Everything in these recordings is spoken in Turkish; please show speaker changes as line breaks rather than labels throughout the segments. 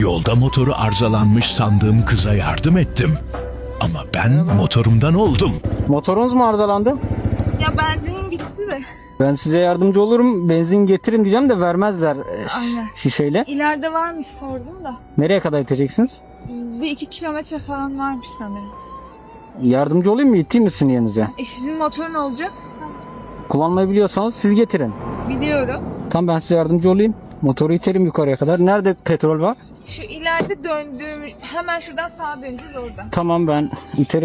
Yolda motoru arızalanmış sandığım kıza yardım ettim. Ama ben motorumdan oldum.
Motorunuz mu arızalandı?
Ya benzinim bitti de.
Ben size yardımcı olurum. Benzin getirin diyeceğim de vermezler
Aynen.
şişeyle.
İleride varmış sordum da.
Nereye kadar iteceksiniz?
Bir 2 kilometre falan varmış sanırım.
Yardımcı olayım mı? İteyim mi sizin yerinize?
Sizin motor ne olacak?
Kullanmayı biliyorsanız siz getirin.
Biliyorum.
Tamam, ben size yardımcı olayım. Motoru iterim yukarıya kadar. Nerede petrol var?
Şu ileride döndüğüm, hemen şuradan sağa döneceğiz oradan.
Tamam, ben iterim.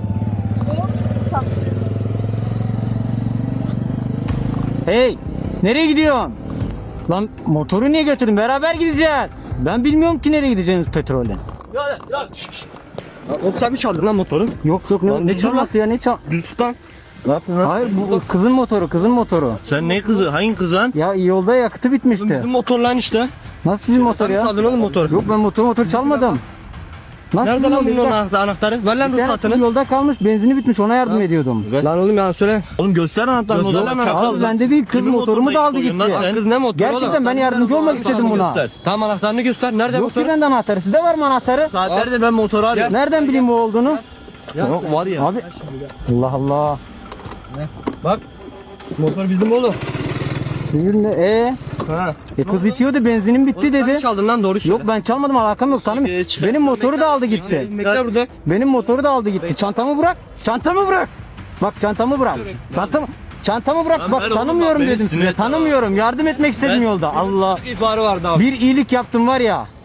Hey! Nereye gidiyorsun? Lan motoru niye götürdün? Beraber gideceğiz. Ben bilmiyorum ki nereye gideceğiniz petrolden.
Oğlum sen mi çaldın lan motoru?
Yok ne çalması ya, ne çal...
Düz tut lan. Ne yaptın lan?
Hayır, bu kızın motoru.
Sen ne kızı? Hangi kız lan?
Ya yolda yakıtı bitmişti.
Bizim motor lan işte.
Nasıl sizin motor
Sen mi
ya?
çaldın oğlum motoru?
Yok, ben motor çalmadım. Nasıl
Nerede
sizin
lan bunun
motor?
anahtarı? Ver lan
Bir tane
ruhsatını.
yolda kalmış, benzini bitmiş, ona yardım ediyordum.
Lan oğlum ya söyle. Oğlum göster anahtarını.
Göster
Göster
hemen. Abi bende değil, kız motorumu da aldı gitti.
Kız ne motoru?
Gerçekten ben yardımcı olmak istedim buna.
Tamam, anahtarını göster. Nerede
Yok ki
motor?
bende anahtarı. Sizde var mı anahtarı?
Saatlerdir ben motoru arıyorum.
Nereden bileyim o olduğunu?
Yok var ya.
Abi Allah Allah.
Bak. Motor bizim oğlum.
Sizin de
Ha.
kız itiyordu, benzinim bitti
Sen
dedi.
çaldın lan, doğru söyle.
Yok, ben çalmadım, alakam yok, tanımıyorum. Benim motoru da aldı gitti.
Bekle burada.
Benim motoru da aldı gitti. Çantamı bırak. Çantamı bırak. Bak, çantamı bırak. Çantamı bırak.
Lan
Bak,
ver oğlum,
tanımıyorum
bak, beni
dedim
sinir
size.
etme.
Tanımıyorum. Yardım etmek istedim yolda. Allah.
İhbarı vardı abi.
Bir iyilik yaptım var ya.